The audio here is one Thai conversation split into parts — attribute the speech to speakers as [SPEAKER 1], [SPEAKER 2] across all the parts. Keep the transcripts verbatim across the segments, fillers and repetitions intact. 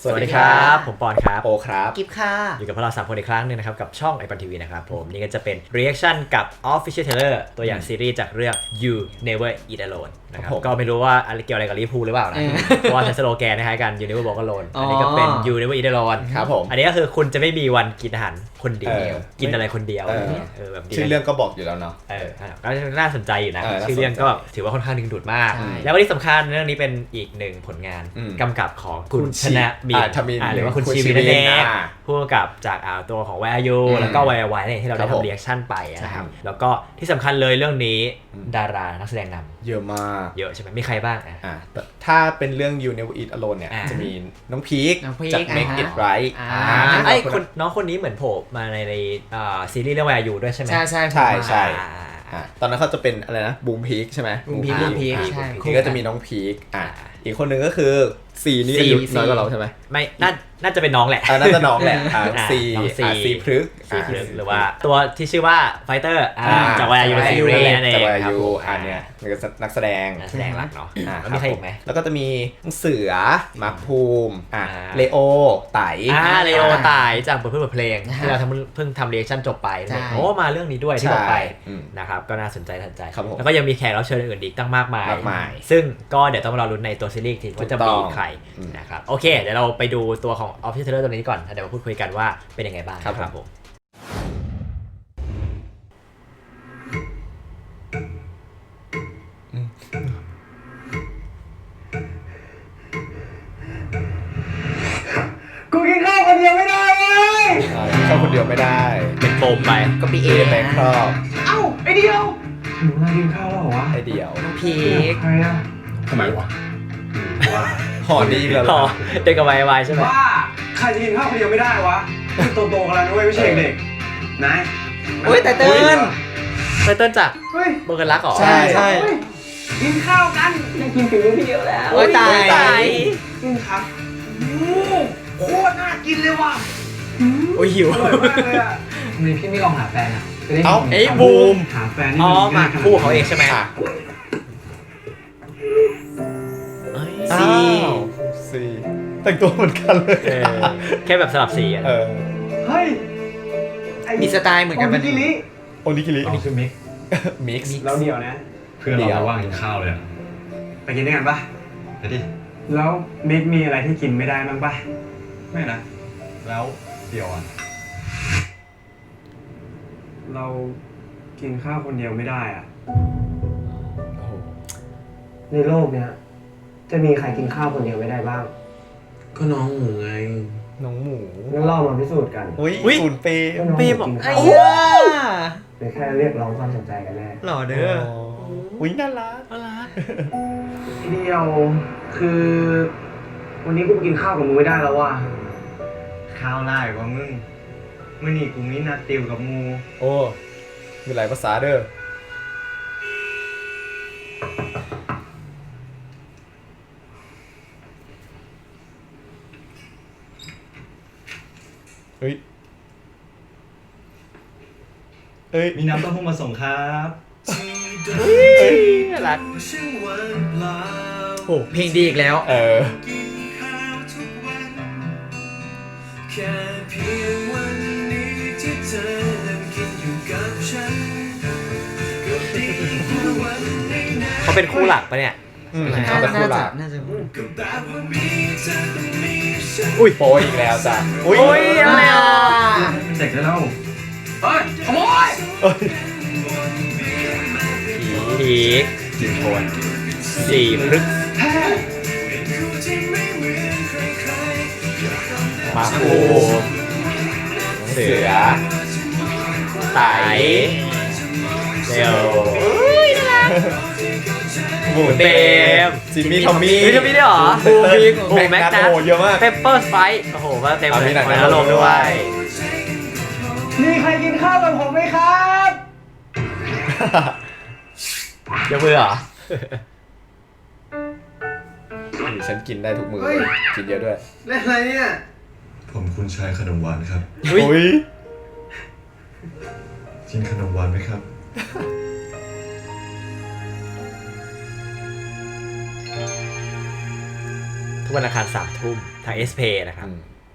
[SPEAKER 1] สวัสดีครับผมปอนครับ
[SPEAKER 2] โอครับ
[SPEAKER 3] กิฟค่ะ
[SPEAKER 1] อยู่กับพวกเราสามคนอีกครั้งนึงนะครับกับช่องไอปอนทีวีนะครับผมนี่ก็จะเป็น reaction กับ Official Trailer ตัวอย่างซีรีส์จากเรื่อง You Never Eat Alone นะครับก็ไม่รู้ว่าอะไรเกี่ยวอะไรกับลิเวอร์พูลหรือเปล่านะเพราะว่าใช้สโลแกนคล้ายกัน You Never Walk Alone อันนี้ก็เป็น You Never Eat Alone
[SPEAKER 2] ครับผม
[SPEAKER 1] อันนี้ก็คือคุณจะไม่มีวันกินอาหารคนเดียวกินอะไรคนเดียวเออแบบ
[SPEAKER 2] ชื่อเรื่องก็บอกอยู่แล้วเนาะ
[SPEAKER 1] เออก็น่าสนใจอยู่นะชื่อเรื่องก็ถือว่าค่อนข้างดึงดูดมากแล้วที่สำคัญเรื่องนี้เป็นอีกหนึ่งผลงานกำกับของคุณชนะมีหรือว่าคุณชีวินนั่นเองผู้กำกับจากตัวของวายยูแล้วก็วายวายเนี่ยที่เราได้ทำเรีแอคชั่นไปนะครับแล้วก็ที่สำคัญเลยเรื่องนี้ดารานักแสดงนำ
[SPEAKER 2] เยอะมาก
[SPEAKER 1] เยอะใช่ไหมมีใครบ้าง
[SPEAKER 2] อ่ะถ้าเป็นเรื่อง You Never Eat Alone เนี่ยจะมีน้องพีคจาก Make It Right
[SPEAKER 1] ไอ้คนน้องคนนี้เหมือนโผล่มาในในซีรีส์เรื่องวายยูด้วยใช่ไหม
[SPEAKER 3] ใช่ใช่
[SPEAKER 2] ใช่ใช่ตอนนั้นเขาจะเป็นอะไรนะบูมพีคใช่ไหม
[SPEAKER 3] บูมพีคบูมพีคใช่
[SPEAKER 2] ทีก็จะมีน้องพีคอ่ะอีกคนหนึ่งก็คือซีนี่อายุน้อยกว่าเราใช่ไหม
[SPEAKER 1] ไม่น่าน่าจะเป็นน้องแหละ
[SPEAKER 2] น่าจะน้องแหละซีซีพฤก
[SPEAKER 1] ซีพฤกหรือว่าตัวที่ชื่อว่าไฟเตอร์จากวายยูซีรีส์นั่นเอง
[SPEAKER 2] จากวายยูอันเนี้ยนักแสดง
[SPEAKER 1] นักแสดงหลักเนาะแล้วมีใครอีกไหม
[SPEAKER 2] แล้วก็จะมีเสือมาร์คภูมิอ่าเลโอไต่
[SPEAKER 1] อ่าเลโอไต่จากบทเพลงที่เราเพิ่งทำเรีแอคชั่นจบไปโอ้มาเรื่องนี้ด้วยที่บอกไปนะครับก็น่าสนใจทันใจแล้วก็ยังมีแขกรับเชิญอื่นอีกตั้งมากมายซึ่งซึ่งก็เดี๋ยวต้องรอลุ้นในตัวซีรีส์ทีว่าจะมีใครนะครับโอเคเดี๋ยวเราไปดูตัวของ Official Trailer ตัวนี้ก่อนเดี๋ยวมาพูดคุยกันว่าเป็นยังไงบ้างครับผม
[SPEAKER 4] กูกินข้าวคนเดียวไม่ได้เว้ย
[SPEAKER 2] ข้าวคนเดียวไม่ได้
[SPEAKER 1] เป็นโปมไป
[SPEAKER 3] ก็ปีเอ
[SPEAKER 2] แบงค์ครอบ
[SPEAKER 4] เอ้าไอเดียวหนูมากินข้าวแล้วเหรอวะ
[SPEAKER 2] ไอเดียว
[SPEAKER 3] พีค
[SPEAKER 4] ใครอะ
[SPEAKER 2] ทำไมวะว่าห่อนี้แล้ว
[SPEAKER 1] ห่อเด็กกับวายวายใช่ไหม
[SPEAKER 4] ว่าใครจะกินข้าวคนเดียวไม่ได้วะโตๆกันแล้วด้วยไม่ใช่เด็กนาย
[SPEAKER 3] โอ้ยแต่เติ้ล
[SPEAKER 1] แต่เติ้ลจากเบอร์เกอร์ลักหรอ
[SPEAKER 2] ใช่ใช่
[SPEAKER 4] กินข้าวกันยังกินฝีมือพี่เดียวแล้ว
[SPEAKER 3] โอ้ยตายตาย
[SPEAKER 4] กินครับโคตรน่ากินเลยว่ะ
[SPEAKER 1] โอ้ยหิว
[SPEAKER 4] อร่อยมากเลยอ่ะทำไมพี่ไม่ลองหาแฟนอ่ะ
[SPEAKER 1] เอ้าไอ้บูม
[SPEAKER 4] หาแฟน
[SPEAKER 1] อ๋อมาคู่เขาเองใช่ไหม
[SPEAKER 2] ซีซีแต่งตัวเหมือนกันเลย
[SPEAKER 1] แค่แบบสลับสีอ่ะ
[SPEAKER 4] เฮ้ย
[SPEAKER 3] มีสไตล์เหมือนกัน
[SPEAKER 4] โอนิกิริ
[SPEAKER 2] โอนิกิริ
[SPEAKER 4] นี่คือมิก
[SPEAKER 2] มิกซ์
[SPEAKER 4] แล้วเดียวนะ
[SPEAKER 5] เพื่อนเราไม่ว่างกินข้าวเลย
[SPEAKER 4] ไปกินด้วยกันปะ
[SPEAKER 5] ไปดิ
[SPEAKER 4] แล้วมิกมีอะไรที่กินไม่ได้บ้างปะ
[SPEAKER 5] ไม่นะแล้วเดียวอ่ะ
[SPEAKER 4] เรากินข้าวคนเดียวไม่ได้อ่ะในโลกเนี้ยจะมีใครกินข้าวคนเดียวไม่ได้บ้าง
[SPEAKER 3] ก็น้องหมูไง
[SPEAKER 2] น้องหมู
[SPEAKER 4] งั้นเรามาพิสูจน์กัน
[SPEAKER 2] อุ้ยฝุ่นเปย์
[SPEAKER 1] เปย์บอกไอ้
[SPEAKER 4] เป็นแค่เรียกร้องความสนใจกันแน่
[SPEAKER 1] หล่อเด้อ
[SPEAKER 2] อุ้ยน่ารัก
[SPEAKER 1] น่ารัก
[SPEAKER 4] เดียวคือวันนี้กูกินข้าวกับมึงไม่ได้แล้วว่ะ
[SPEAKER 5] ข้าวไล่กว่ามึงเมื่อนี่กูมีนัดติวกับมู
[SPEAKER 2] โอ้มีหลายภาษาเด้อเฮ้ยเอ้ย
[SPEAKER 5] มีน้ำเต้าหู้มาส่งครับ
[SPEAKER 1] น่ารักโอ้เพลงดีอีกแล้ว
[SPEAKER 2] เออ
[SPEAKER 1] เขาเป็นคู่หลักปะเนี่ย
[SPEAKER 2] เขาเป็นคู่หลัก
[SPEAKER 3] น่าจะ
[SPEAKER 2] อุ้ยโปอีกแล้วจ้ะ
[SPEAKER 1] อุ้ยอะไรอ่ะ
[SPEAKER 4] เสร็จแล้วเฮ้ยขโมย
[SPEAKER 1] ผี
[SPEAKER 2] จิงโทน
[SPEAKER 1] สี่พฤกษ์
[SPEAKER 2] มาคูเสือ
[SPEAKER 1] ไต่เซลบูมเบม
[SPEAKER 2] จิมมี่ทอมมี่
[SPEAKER 1] จิมมี่ด้วยเหรอบูมบิ๊กบูมแม็กนัท
[SPEAKER 2] เยอะมาก
[SPEAKER 1] เปปเปอร์สไปซ์โอ้โหมาเต็มเลยมาลงด้วย
[SPEAKER 4] มีใครกินข้าวกับผมไหมครับ
[SPEAKER 1] ยกมือเหรอ
[SPEAKER 2] ฉันกินได้ทุกมือกินเยอะด้วย
[SPEAKER 4] เล่นอะไรเนี่ย
[SPEAKER 5] ผมคุณชายขนมหวานครับ
[SPEAKER 2] อุ้ย
[SPEAKER 5] กินขนมหวานไหมครับ
[SPEAKER 1] โถกวันอังคารสามทุ่มทาง เอส พี เอ นะครับ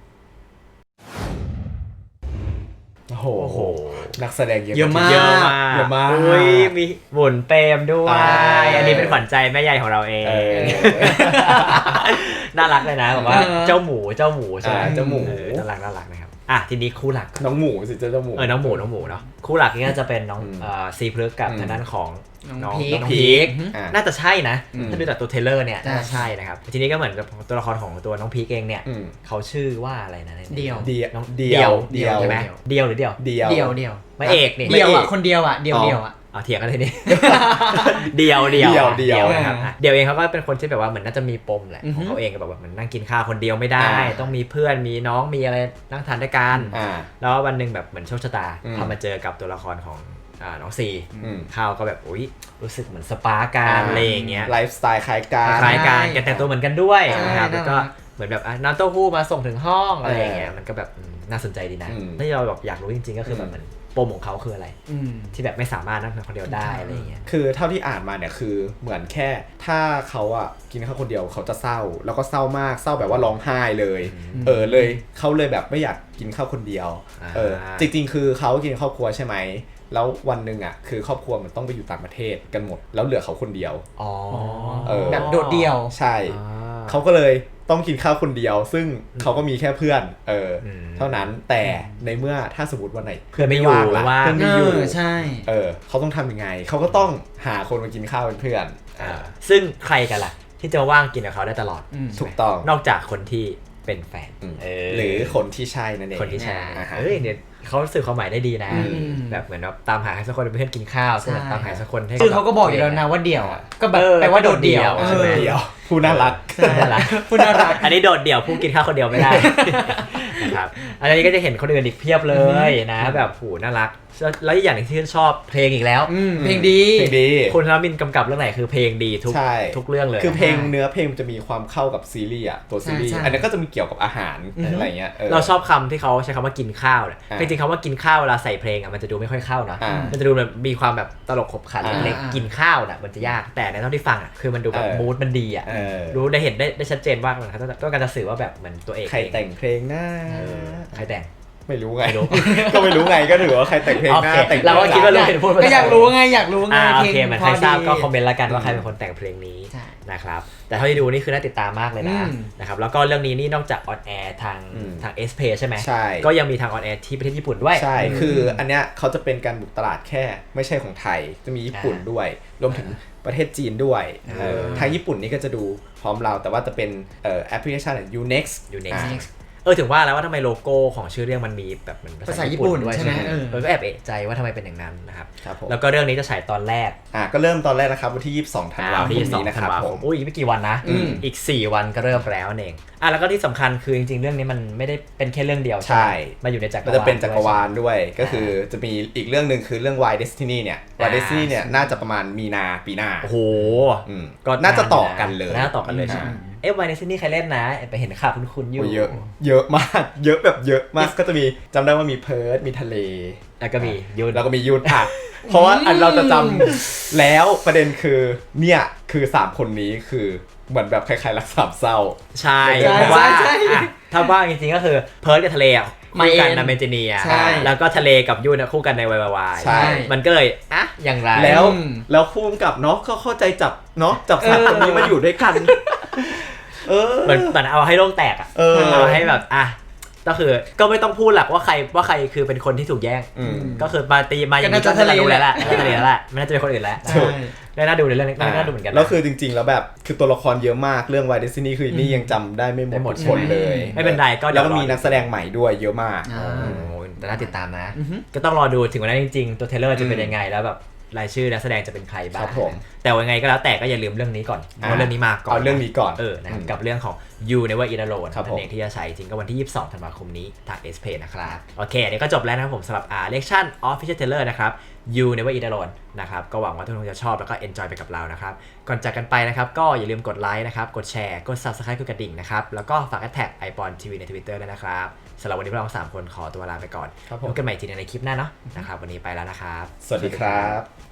[SPEAKER 2] โอ้โหนักแสดงเยอะ
[SPEAKER 3] เยอะมาก
[SPEAKER 1] เยอะมาก
[SPEAKER 2] เยอะมาก
[SPEAKER 1] อุ้ยมีบุญเปรมด้วย
[SPEAKER 2] อ่า
[SPEAKER 1] อันนี้เป็นขวัญใจแม่ใหญ่ของเราเอง
[SPEAKER 2] เออ
[SPEAKER 1] น่ารักเลยนะแบบว่าเจ้าหมูเจ้าหมูใช่ไหม
[SPEAKER 2] อ่าเจ้าหมู
[SPEAKER 1] เออน่ารักน่ารักนะครับอ่ะทีนี้คู่หลัก
[SPEAKER 2] น้องหมูสิเจ้าหมู
[SPEAKER 1] เออน้องหมูน้องหมูเนาะคู่หลักนี่ก็จะเป็นน้อง
[SPEAKER 2] อืม
[SPEAKER 1] เอ่อซีพลึกกับ
[SPEAKER 2] อืม
[SPEAKER 1] ทางด้านของ
[SPEAKER 3] น้อง
[SPEAKER 1] น้อง
[SPEAKER 3] พีค
[SPEAKER 1] น้องพีค
[SPEAKER 2] อ่า
[SPEAKER 1] น่าจะใช่นะ
[SPEAKER 2] อืม
[SPEAKER 1] ถ้าดูจากตัวเทรลเลอร์เนี่ย
[SPEAKER 3] ใช่
[SPEAKER 1] น่าจะใช่นะครับทีนี้ก็เหมือนกับตัวละครของตัวน้องพีคเองเนี่ย
[SPEAKER 2] อืม
[SPEAKER 1] เขาชื่อว่าอะไรนะใน
[SPEAKER 3] เดี่ยว
[SPEAKER 2] เดียว
[SPEAKER 1] น้อง
[SPEAKER 2] เดียว
[SPEAKER 1] เดียวใช่ไหมเดียวหรือเดียว
[SPEAKER 2] เดียว
[SPEAKER 3] เดียวเดียว
[SPEAKER 1] ไม่เอกนี่
[SPEAKER 3] เดียว
[SPEAKER 2] ไม่
[SPEAKER 3] อ่ะ
[SPEAKER 2] เอก
[SPEAKER 3] คนเดียวอ่ะเดียว
[SPEAKER 2] อ๋อ
[SPEAKER 3] เดียวอ่ะ
[SPEAKER 1] เอาเถียงกันเลยนี่ เดียวเดียว
[SPEAKER 2] เดี่ยวเดี่ยว
[SPEAKER 1] นะครับอ่ะเดียวเองเขาก็เป็นคนที่แบบว่าเหมือนน่าจะมีปมแหละ
[SPEAKER 3] อือ
[SPEAKER 1] ข
[SPEAKER 3] ฮึ
[SPEAKER 1] องเขาเองก็แบบว่าเหมือนนั่งกินข้าวคนเดียวไม่ได้
[SPEAKER 2] อ่า
[SPEAKER 1] ต้องมีเพื่อนมีน้องมีอะไรนั่งทานด้วยกัน
[SPEAKER 2] อ่า
[SPEAKER 1] แล้ววันหนึ่งแบบเหมือนโชคชะตา
[SPEAKER 2] อืม
[SPEAKER 1] พอมาเจอกับตัวละครของอ่าน้องซี
[SPEAKER 2] อืม
[SPEAKER 1] ข้าวก็แบบอุ้ยรู้สึกเหมือนสปาร์กกันอะไรอย่างเงี้ย
[SPEAKER 2] ไลฟ์สไตล์คล้ายกัน
[SPEAKER 1] คล้ายกัน
[SPEAKER 3] ใช่
[SPEAKER 1] แกแต่งตัวเหมือนกันด้วย
[SPEAKER 3] ใช่
[SPEAKER 1] นะครับแล้วก็
[SPEAKER 3] น่ารัก
[SPEAKER 1] เหมือนแบบอ่ะน้ำเต้าหู้มาส่งถึงห้องอะไรอย่างเงี้ย
[SPEAKER 2] เออ
[SPEAKER 1] มันก็แบบอืมน่าสนใจดีนะ
[SPEAKER 2] อืม
[SPEAKER 1] ที่เราแบบอยากรู้จริงๆก็คือแบบเหมือนปมของเขาคืออะไร
[SPEAKER 3] อืม
[SPEAKER 1] ที่แบบไม่สามารถนั่งคนเดียวได้อะไรอย่างเงี้ย
[SPEAKER 2] คือเท่าที่อ่านมาเนี่ยคือเหมือนแค่ถ้าเขาอ่ะกินข้าวคนเดียวเขาจะเศร้า แล้วก็เศร้ามากเศร้าแบบว่าร้องไห้เลย
[SPEAKER 1] อืม
[SPEAKER 2] เออเลยเขาเลยแบบไม่อยากกินข้าวคนเดียว
[SPEAKER 1] อ่า
[SPEAKER 2] เออจริงๆ คือเขากินครอบครัวใช่ไหมแล้ววันหนึ่งอ่ะคือครอบครัวมันต้องไปอยู่ต่างประเทศกันหมดแล้วเหลือเขาคนเดียว
[SPEAKER 1] อ๋อ
[SPEAKER 2] เออ
[SPEAKER 3] แบบโดดเดี่ยว
[SPEAKER 2] ใช่
[SPEAKER 1] อ่า
[SPEAKER 2] เขาก็เลยต้องกินข้าวคนเดียว ซึ่งเขาก็มีแค่เพื่อนเอออ
[SPEAKER 1] ม
[SPEAKER 2] เท่านั้นแต่ในเมื่อถ้าสมมติวันไหน
[SPEAKER 1] เพื่อนไม่อยู่
[SPEAKER 2] ล่ะ
[SPEAKER 1] ว่าง
[SPEAKER 2] เพื่อน
[SPEAKER 3] เอ
[SPEAKER 2] ไม่อยู่
[SPEAKER 3] อใช่
[SPEAKER 2] เออเขาต้องทำยังไงเขาก็ต้องหาคนมากินข้าวเป็นเพื่อน
[SPEAKER 1] อ่าซึ่งใครกันล่ะ ที่จะว่างกินกับเขาได้ตลอด
[SPEAKER 3] อืม
[SPEAKER 2] ถูกต้อง
[SPEAKER 1] นอกจากคนที่เป็นแฟน
[SPEAKER 2] อืม
[SPEAKER 1] เ
[SPEAKER 2] หรือคนที่ใช่นั่นเอง
[SPEAKER 1] คนที่ใช่
[SPEAKER 2] อ่าฮะ
[SPEAKER 1] เอ้ยเนี่ยเขาสื่อความหมายได้ดีนะ
[SPEAKER 3] อืม
[SPEAKER 1] แบบเหมือนแบบตามหาใครสักคนเป็นเพื่อนกินข้าวก็เหมือนตามหาสักคนให้
[SPEAKER 3] คือเขาก็บอกอยู่แล้วนะว่าเดี่ยวอ่ะก็แบบ
[SPEAKER 1] เออ
[SPEAKER 3] แปลว่าโดดเดี่ยว
[SPEAKER 1] โดดเดี่ยวใช่ไหม
[SPEAKER 3] ออ
[SPEAKER 2] เดียวผู้น่ารัก
[SPEAKER 3] ใช่
[SPEAKER 1] น่ารัก
[SPEAKER 3] พูดน่ารัก
[SPEAKER 1] อันนี้โดดเดี่ยวผู้กินข้าวคนเดียวไม่ได้ นะครับอันนี้ก็จะเห็นคนอื่นอีกเพียบเลยนะแบบผูน่ารักแล้วอีกอย่างหนึงที่ชอบเพลงอีกแล้ว
[SPEAKER 3] อืมเพลงดี
[SPEAKER 2] เพลงดี
[SPEAKER 1] คุณธนมินกำกับเรื่องไหนคือเพลงดีทุก
[SPEAKER 2] ใช่
[SPEAKER 1] ทุกเรื่องเลย
[SPEAKER 2] คือเพลงเนื้อเพลงมันจะมีความเข้ากับซีรีส์อ่ะตัวซีรีส์
[SPEAKER 3] ใช่ใช่
[SPEAKER 2] อันนี้ก็จะมีเกี่ยวกับอาหาร
[SPEAKER 3] อือฮึ
[SPEAKER 2] อะไรเงี้ย
[SPEAKER 1] เราชอบคำที่เขาใช้คำว่ากินข้าวเนี่ย
[SPEAKER 2] อ่า
[SPEAKER 1] จริงๆคำว่ากินข้าวเวลาใส่เพลงอ่ะมันจะดูไม่ค่อยเข้านะ
[SPEAKER 2] อ่ามั
[SPEAKER 1] มันจะดูแบบมีความแบบตลกขบขัน
[SPEAKER 2] อ่า
[SPEAKER 1] เล็กๆกินข้าวน่ะมันจะยากแต่ในเท่าที่ฟังอ่ะคือมันดูแบบ
[SPEAKER 2] เออ
[SPEAKER 1] มูดมันดีอ่ะ
[SPEAKER 2] เออ
[SPEAKER 1] รู้ได้เห็นได้ได้ชัดเจนว่ามันเขาต้องการจะสื่อว่าแบบเหมือนตัวเอก
[SPEAKER 2] ใครแต่งเพลงหน้า
[SPEAKER 1] เออใครแต่ง
[SPEAKER 2] ไม่รู้ไง
[SPEAKER 1] ไม่รู้
[SPEAKER 2] ก็ไม่รู้ไงก็ถือว่าใครแต่งเพลง
[SPEAKER 1] โอ
[SPEAKER 2] หน้า
[SPEAKER 1] เค
[SPEAKER 2] แต่ง
[SPEAKER 1] เราก็คิดว่า
[SPEAKER 2] ห
[SPEAKER 1] รู้
[SPEAKER 2] น้
[SPEAKER 1] เห็นพูด
[SPEAKER 3] ก็อยากรู้ไงอยากรู้ไง
[SPEAKER 1] อ่าโอ
[SPEAKER 3] เพลง
[SPEAKER 1] เคเหมือนใครทราบก็คอมเมนต์ละกันว่า
[SPEAKER 2] อืม
[SPEAKER 1] ใครเป็นคนแต่งเพลงนี้
[SPEAKER 3] ใช่
[SPEAKER 1] นะครับแต่เท่าที่ดูนี่คือน่าติดตามมากเลยนะ
[SPEAKER 3] อืม
[SPEAKER 1] นะครับแล้วก็เรื่องนี้นี่นอกจากออนแอร์ทาง
[SPEAKER 2] อืม
[SPEAKER 1] ทาง เอส พี เอ ใช่ไหม
[SPEAKER 2] ใช่
[SPEAKER 1] ก็ยังมีทางออนแอร์ที่ประเทศญี่ปุ่นด้วย
[SPEAKER 2] ใช่ คืออันเนี้ยเขาจะเป็นการบุกตลาดแค่ไม่ใช่ของไทย จะมีญี่ปุ่น
[SPEAKER 1] อ่า
[SPEAKER 2] ด้วย รวมถึงประเทศจีนด้วย
[SPEAKER 1] อ่า
[SPEAKER 2] เออทางญี่ปุ่นนี่ก็จะดูพร้อมเรา แต่ว่าจะเป็นเอ่อแอปพลิเคชัน Unext
[SPEAKER 1] อยู่ใน
[SPEAKER 2] อ่า
[SPEAKER 1] เออถึงว่าแล้วว่าทำไมโลโก้ของชื่อเรื่องมันมีแบบเหมือน
[SPEAKER 3] ภาษาญี่ปุ่น
[SPEAKER 1] ด้วย
[SPEAKER 3] ใช่ไหม
[SPEAKER 1] เอ
[SPEAKER 3] เออ
[SPEAKER 1] อก็แอบเอะใจว่าทำไมเป็นอย่างนั้นนะครับ
[SPEAKER 2] ครับผม
[SPEAKER 1] แล้วก็เรื่องนี้จะฉายตอนแรก
[SPEAKER 2] อ่าก็เริ่มตอนแรกนะครับวันที่ยี่สิบสองธันวาคม
[SPEAKER 1] ที่สอง
[SPEAKER 2] นี้นะค
[SPEAKER 1] ธัน
[SPEAKER 2] รับ
[SPEAKER 1] วา
[SPEAKER 2] ผ
[SPEAKER 1] คม
[SPEAKER 2] ม
[SPEAKER 1] อุ้ยอีกไม่กี่วันนะ
[SPEAKER 2] อืม
[SPEAKER 1] อีกสี่วันก็เริ่มแล้วนั่นเองอ่ะแล้วก็ที่สำคัญคือจริงๆเรื่องนี้มันไม่ได้เป็นแค่เรื่องเดียวใช่ไหม
[SPEAKER 2] ใช่
[SPEAKER 1] มาอยู่ในจักร
[SPEAKER 2] ก็
[SPEAKER 1] วาล
[SPEAKER 2] จะเป็นจักรวาล
[SPEAKER 1] ด้วย
[SPEAKER 2] ด้วย ก็คือจะมีอีกเรื่องหนึ่งคือเรื่อง Why Destiny เนี่ย Why
[SPEAKER 1] อ่า
[SPEAKER 2] Destiny เนี่ยน่าจะประมาณมีนาปีหน้า
[SPEAKER 1] โอ้โห
[SPEAKER 2] อืม
[SPEAKER 1] ก็
[SPEAKER 2] น่าจะต่อกันเลย
[SPEAKER 1] น่าจะต่อกันเลยใช่ไหมเอ๊ะวายในซีนี่ใครเล่นนะไปเห็นข่าวคุ้นๆอยู่
[SPEAKER 2] โอ้ยเยอะเยอะมากเยอะแบบเยอะมากก็จะมีจำได้ว่ามีเพิร์ดมีทะเล
[SPEAKER 1] แล้วก็มียูน
[SPEAKER 2] แล้วก็มียุทธอ่ะเพราะว่าอันเราจะจำแล้วประเด็นคือเนี่ยคือสามคนนี้คือเหมือนแบบคล้ายๆรักสามเศร้า
[SPEAKER 1] ใช่
[SPEAKER 2] ใช่
[SPEAKER 1] เพราะว่า
[SPEAKER 3] ใช่ใช่
[SPEAKER 1] อ่ะถ้าว่าจริงๆก็คือเพิร์ดกับทะเลอ่ะคู่กัน
[SPEAKER 3] มาเอง
[SPEAKER 1] นะเมจิเนีย
[SPEAKER 3] ใช่
[SPEAKER 1] แล้วก็ทะเลกับยูนอะคู่กันในวายวาย
[SPEAKER 2] ใช่
[SPEAKER 1] มันก็เลยอ่ะอย่างไร
[SPEAKER 2] แล้ว
[SPEAKER 3] อืม
[SPEAKER 2] แล้วคู่กำกับเนาะก็เข้าใจจับเนาะจับสามคนนี้มาอยู่ด้วยกัน เออ
[SPEAKER 1] เหมือนเหมือนเอาให้โลกแตกอ่ะ
[SPEAKER 2] เออ
[SPEAKER 1] เอาให้แบบอ่ะก็คือก็ไม่ต้องพูดหลักว่าใครว่าใครคือเป็นคนที่ถูกแย่ง
[SPEAKER 2] อืม
[SPEAKER 1] ก็คือมาตีมาอย่างนี้
[SPEAKER 3] ก็
[SPEAKER 1] ก็
[SPEAKER 3] น่าจะ
[SPEAKER 1] น่าจะรู้แล้วแหละ
[SPEAKER 3] ทะเล
[SPEAKER 1] น่าจะทะเลแล้วแหละไม่น่าจะเป็นคนอื่นแล้ว
[SPEAKER 3] ใช่
[SPEAKER 1] ได้น่าดูในเรื่องนี้น่าดูเหมือนกันนะ
[SPEAKER 2] แล้วคือจริงๆ แล้วแบบคือตัวละครเยอะมากเรื่อง Why Destiny คือนี่ยังจำได้ไม่หม
[SPEAKER 1] ไม่
[SPEAKER 2] ด
[SPEAKER 1] หมด
[SPEAKER 2] ทุกคนเลย
[SPEAKER 1] ไม่เป็นไรก็เดี๋
[SPEAKER 2] แล้
[SPEAKER 1] ยว ว
[SPEAKER 2] ก็มี
[SPEAKER 1] รอ
[SPEAKER 2] นักแสดงใหม่ด้วยเยอะมาก
[SPEAKER 3] อ่า
[SPEAKER 1] โอ้โหแต่น่าติดตามนะ
[SPEAKER 3] อือฮึ
[SPEAKER 1] ก็ต้องรอดูถึงวันนั้นจริงๆ ตัวเทรลเลอร์จะเป็น
[SPEAKER 2] อืม
[SPEAKER 1] ยังไงแล้วแบบรายชื่อนักแสดงจะเป็นใครบ้า
[SPEAKER 2] ค
[SPEAKER 1] ง
[SPEAKER 2] รับผม
[SPEAKER 1] แต่ว่ายังไงก็แล้วแต่ก็อย่าลืมเรื่องนี้ก่อนเพราะว่าเรื่องนี้มาก่อน
[SPEAKER 2] เอาเรื่องนี้ก่อน
[SPEAKER 1] เออนะครับ
[SPEAKER 2] อืม
[SPEAKER 1] กับเรื่องของ You Never Eat Alone
[SPEAKER 2] ครับ
[SPEAKER 1] นั่นเองที่จะฉายจริงก็วันที่ ยี่สิบสอง ธันวาคมนี้ทาง เอส พี เอ นะครับโอเคเดี๋ยวก็จบแล้วนะครับผมสำหรับ อ่า Reaction Official Trailer นะครับ You Never Eat Alone นะครับก็หวังว่าทุกคนจะชอบแล้วก็ enjoy ไปกับเรานะครับก่อนจากกันไปนะครับก็อย่าลืมกดไลค์นะครับกดแชร์กด Subscribe กดกระดิ่งนะครับแล้วก็ฝากแท็ก ไอปอน ที วี ใน Twitter ด้วยนะครับสำหรับวันนี้พวกเราสามคนขอตัวลาไปก่อน
[SPEAKER 2] ครับผม
[SPEAKER 1] พบกันใหม่ทีในคลิปหน้าเนาะนะครับวันนี้ไปแล้วนะครับ
[SPEAKER 2] สวัสดีครับ